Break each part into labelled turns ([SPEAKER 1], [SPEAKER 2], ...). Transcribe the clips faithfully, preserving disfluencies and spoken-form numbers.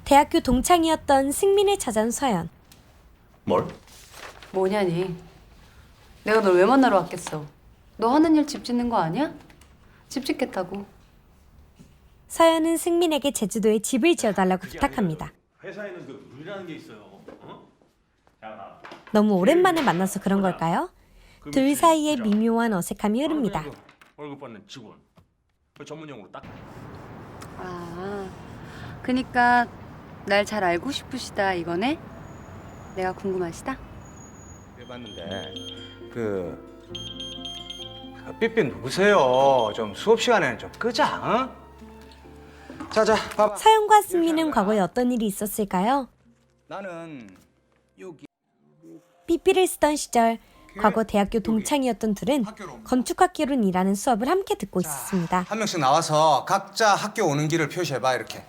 [SPEAKER 1] 대학교 동창이었던 승민을 찾아온 서연.
[SPEAKER 2] 뭘?
[SPEAKER 3] 뭐냐니? 내가 널 왜 만나러 왔겠어? 너 하는 일 집 짓는 거 아니야? 집 짓겠다고.
[SPEAKER 1] 서연은 승민에게 제주도에 집을 지어달라고 부탁합니다.
[SPEAKER 2] 회사에는 그 룰이라는 게 있어요. 어? 자,
[SPEAKER 1] 너무 오랜만에 만나서 그런 걸까요? 둘 사이에 미묘한 어색함이 흐릅니다.
[SPEAKER 2] 월급 받는 직원. 그 전문용어로 딱.
[SPEAKER 3] 아, 그니까 날 잘 알고 싶으시다 이거네? 내가 궁금하시다?
[SPEAKER 4] 해봤는데 그 삐삐 누구세요? 좀 수업 시간에는 좀 끄자. 어? 자자 봐봐.
[SPEAKER 1] 서연과 승민은 과거에 어떤 일이 있었을까요?
[SPEAKER 4] 나는 여기
[SPEAKER 1] 삐삐를 쓰던 시절 과거 대학교 동창이었던 둘은 건축학개론이라는 수업을 함께 듣고 있었습니다.
[SPEAKER 4] 한 명씩 나와서 각자 학교 오는 길을 표시해봐 이렇게.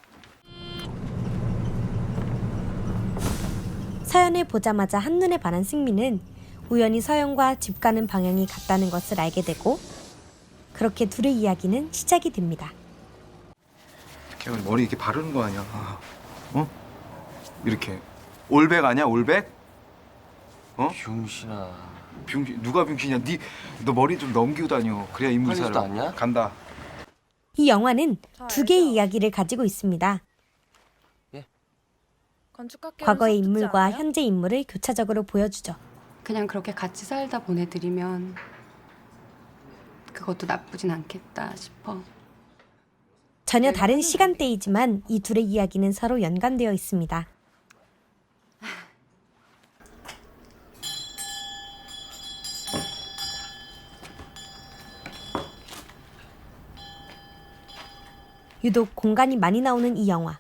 [SPEAKER 1] 서연을 보자마자 한눈에 반한 승민은 우연히 서연과 집 가는 방향이 같다는 것을 알게 되고 그렇게 둘의 이야기는 시작이 됩니다.
[SPEAKER 5] 걔 머리 이렇게 바르는 거 아니야? 어? 이렇게 올백 아니야? 올백? 어?
[SPEAKER 2] 병신아.
[SPEAKER 5] 병신 누가 병신이야? 니 너 머리 좀 넘기고 다녀. 그래야 인물 살아.
[SPEAKER 2] 빨리지도 않냐?
[SPEAKER 5] 간다.
[SPEAKER 1] 이 영화는 두 개의 이야기를 가지고 있습니다. 과거의 인물과 현재 인물을 교차적으로 보여주죠.
[SPEAKER 3] 그냥 그렇게 같이 살다 보내드리면 그것도 나쁘진 않겠다 싶어.
[SPEAKER 1] 전혀 다른 시간대이지만 이 둘의 이야기는 서로 연관되어 있습니다. 유독 공간이 많이 나오는 이 영화.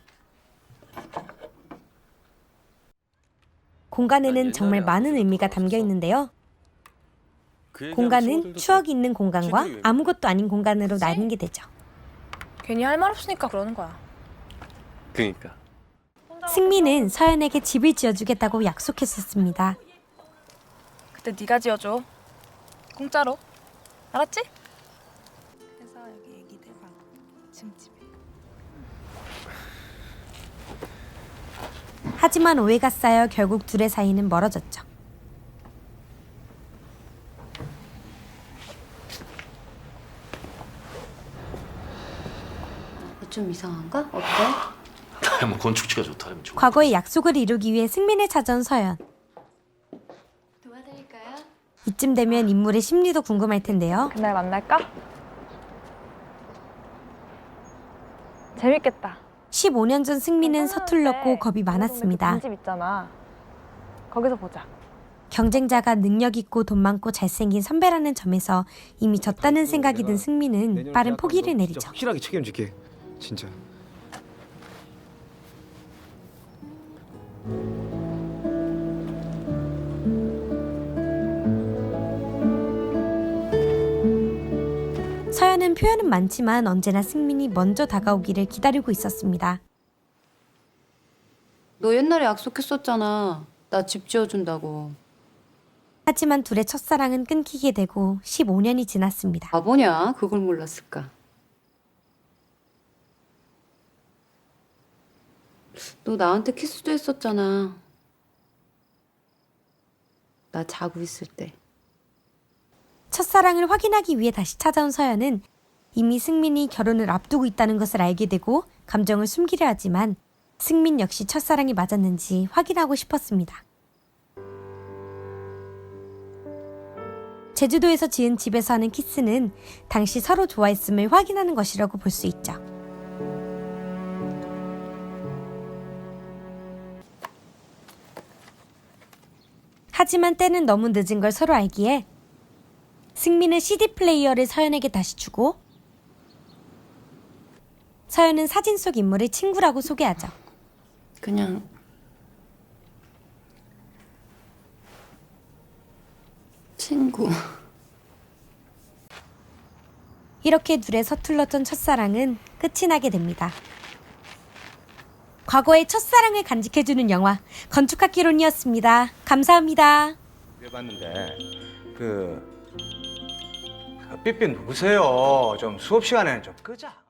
[SPEAKER 1] 공간에는 정말 많은 의미가 담겨 있는데요. 공간은 추억이 있는 공간과 아무것도 아닌 공간으로 나뉘게 되죠.
[SPEAKER 6] 괜히 할 말 없으니까 그러는 거야.
[SPEAKER 2] 그러니까.
[SPEAKER 1] 승민은 서연에게 집을 지어주겠다고 약속했었습니다.
[SPEAKER 6] 그때 네가 지어줘. 공짜로. 알았지? 그래서 여기 애기들 방 층집에.
[SPEAKER 1] 하지만 오해가 쌓여 결국 둘의 사이는 멀어졌죠.
[SPEAKER 3] 좀 이상한가? 어때?
[SPEAKER 2] 뭐 건축지가 좋다면 좋아.
[SPEAKER 1] 과거의 약속을 이루기 위해 승민을 찾아온 서연.
[SPEAKER 3] 도와드릴까요?
[SPEAKER 1] 이쯤 되면 인물의 심리도 궁금할 텐데요.
[SPEAKER 6] 그날 만날까? 재밌겠다.
[SPEAKER 1] 십오 년 전 승민은 서툴렀고 겁이 많았습니다.
[SPEAKER 6] 집 있잖아. 거기서 보자.
[SPEAKER 1] 경쟁자가 능력 있고 돈 많고 잘생긴 선배라는 점에서 이미 졌다는 생각이 든 승민은 빠른 포기를 내리죠.
[SPEAKER 5] 확실하게 책임질게. 진짜.
[SPEAKER 1] 서연은 표현은 많지만 언제나 승민이 먼저 다가오기를 기다리고 있었습니다.
[SPEAKER 3] 너 옛날에 약속했었잖아. 나 집 지어준다고.
[SPEAKER 1] 하지만 둘의 첫사랑은 끊기게 되고 십오 년이 지났습니다.
[SPEAKER 3] 바보냐? 그걸 몰랐을까? 너 나한테 키스도 했었잖아. 나 자고 있을 때.
[SPEAKER 1] 첫사랑을 확인하기 위해 다시 찾아온 서연은 이미 승민이 결혼을 앞두고 있다는 것을 알게 되고 감정을 숨기려 하지만 승민 역시 첫사랑이 맞았는지 확인하고 싶었습니다. 제주도에서 지은 집에서 하는 키스는 당시 서로 좋아했음을 확인하는 것이라고 볼 수 있죠. 하지만 때는 너무 늦은 걸 서로 알기에 승민은 씨디 플레이어를 서연에게 다시 주고 서연은 사진 속 인물을 친구라고 소개하죠.
[SPEAKER 3] 그냥 친구.
[SPEAKER 1] 이렇게 둘의 서툴렀던 첫사랑은 끝이 나게 됩니다. 과거의 첫사랑을 간직해주는 영화 건축학개론이었습니다. 감사합니다.
[SPEAKER 4] 해봤는데 그 삐삐 누구세요? 좀 수업 시간에는 좀 끄자.